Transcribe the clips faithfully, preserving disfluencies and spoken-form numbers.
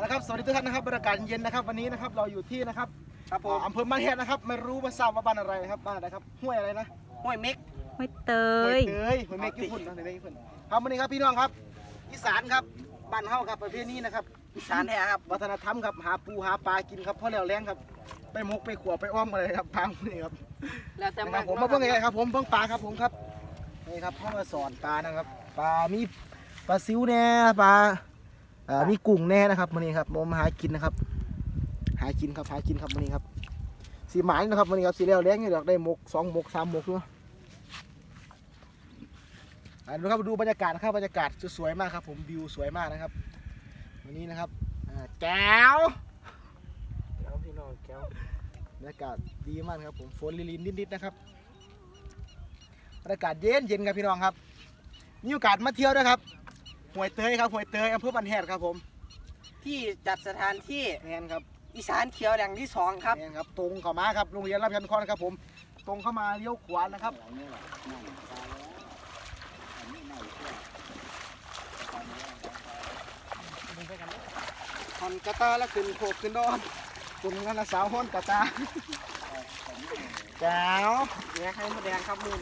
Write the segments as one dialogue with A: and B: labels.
A: นะครับสวัสดีทุกท่านนะครับบรรยากาศเย็นนะครับวันนี้นะครับเราอยู่ที่นะครับครับผมอำเภอบ้านแฮดนะครับไม่รู้ว่าทราบว่าบ้านอะไรนะครับบ้านอะไรครับห้วยอะไรนะ
B: ห้วยเม็ก
C: ห้วยเต
A: ห้วย ยเตยห้วยเม็กญี่ปุ่นนะห้วยเม็กญี่ปุ่นครับวันนี้ครับพี่น้องครับอีสานครับบ้านเฮาครับประเภทนี้นะครับ
B: อีสานแท้ครับ
A: วัฒนธรรมครับหาปูหาปลากินครับเพราะแล้วแรงครับไปมกไปขวบไปอ้อมอะไรครับพังนี่ครับ
B: แล้วแต่
A: ผมมาเพิ่งไงครับผมเพิ่งปลาครับผมครับนี่ครับพ่อมาสอนปลานะครับปลามีปลาซิวแน่ปลามีกุ้งแน่นะครับวันนี้ครับผมหากินนะครับหากินครับหากินครับวันนี้ครับสีหมายนะครับวันนี้ครับสีแล้วแรงอยู่ดอกได้หมกสองหมกสามหมกด้วยดูครับดูบรรยากาศนะครับบรรยากาศสวยมากครับผมวิวสวยมากนะครับวันนี้นะครับแก้วแก้วพี่น้องแก้วบรรยากาศดีมากครับผมฝนลินนิดๆนะครับบรรยากาศเย็นเย็นครับพี่น้องครับมีโอกาสมาเที่ยวด้วยครับห้วยเตยครับห้วยเตยอำเภอบ้านแฮดครับผม
B: ที่จัดสถานที่
A: แมนครับ
B: อีสานเขียวแหล่งที่สองครับ
A: แมนครับตรงเข้ามาครับโรงเรียนรับยันคอนครับผมตรงเข้ามาเลี้ยวขวานะครับฮอนกระตาแล้วขึ้นโขกขึ้นดอนคุณกันนะสาวฮอนกระตาแก้ว
B: แยกให้มดแดงครับมุน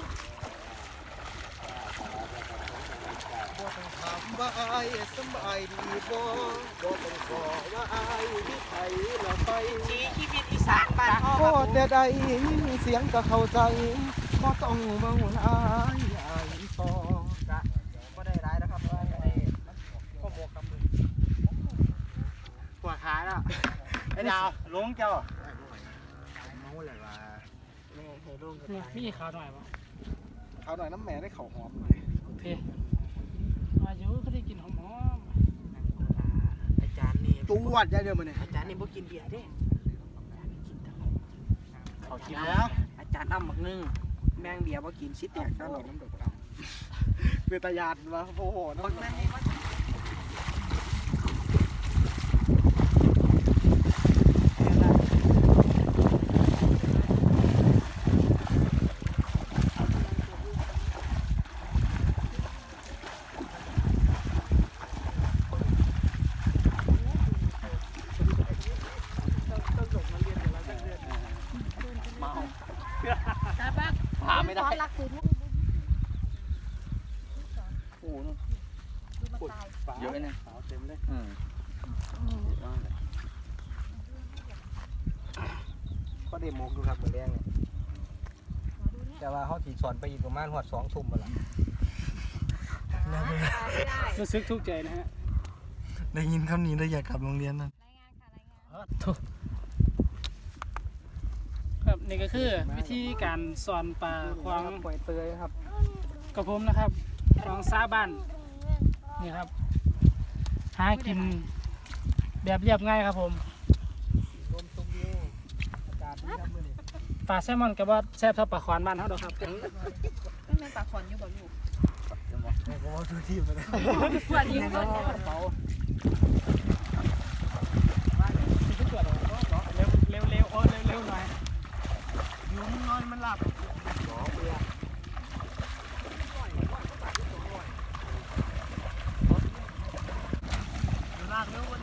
A: บ่ต้องถามว่าไอ้สบายดีบ่บ่ต้องขอว่าไอ้ที่ไทยเราไป
B: ชีชีวิตอีสานบ้านพ่อ
A: ก็แต่ใดยินเสียงก็เข้าใจบ่ต้องเว้าไอ้ไอ้ต่อจะบ่ได้ร้ายนะครับว่าไอ้ข้อหมวกกำมือ
B: ปวดขาแล้วไอ้ดาวลงเจ้า
A: เมาอะไรวะ
B: แม่เคยลง
C: นี่พี่ขาวหน่อยปะ
A: ขาวหน่อยน้ำแม่ได้เข่าหอม
C: โอเคอายุเขาได้กินหอม
B: ๆอาจารย์นี่
A: ตัววัดยายเดิมมาเนี่ย
B: อาจารย์นี่บ่กินเบียร์เด้
A: เขากินแล้ว
B: อาจารย์อ้ำหมักนึงแมงเบียร์บ่กินชิดแตกตลอดน้ำดอกอ้
A: ำเป็นตาญาติวะโอ้โหน้ำ
B: พาไม่ได้โอ้โหเยอะเลยนะเต็มเลย
A: ก็เดโมกดูครับเหมือนแรงเลยแต่ว่าเขาถีสอนไปอีกประมาณหัวสองทุ่มมาละ
C: รู้สึกทุกข์ใจนะฮะ
A: ได้ยินคำนี้ได้อยากกลับโรงเรียนนั่น
C: ครับนี่ก็คือวิธีการสอนปลาควาง
A: ปล่อยเตยครับ
C: กระผมนะครับควางซาบ้านนี่ครับหากินแบบเรียบง่ายครับผมปลาแซลมอนกับว่าแซ่บเท่าปลาขวานบ้านเขาดอกครับ
D: ไม่เป็นปลาขอนอยู่บ่ลูก
A: แม่ก็ว่าซื้อที่มาเลย
D: ปวดยิ่งต้น
C: เร็วเร็วเร็วโอ้เร็วเร็วหน่อย
A: ยุงนอนมันหลับหรอเบียร์ลากเร็วเว้ย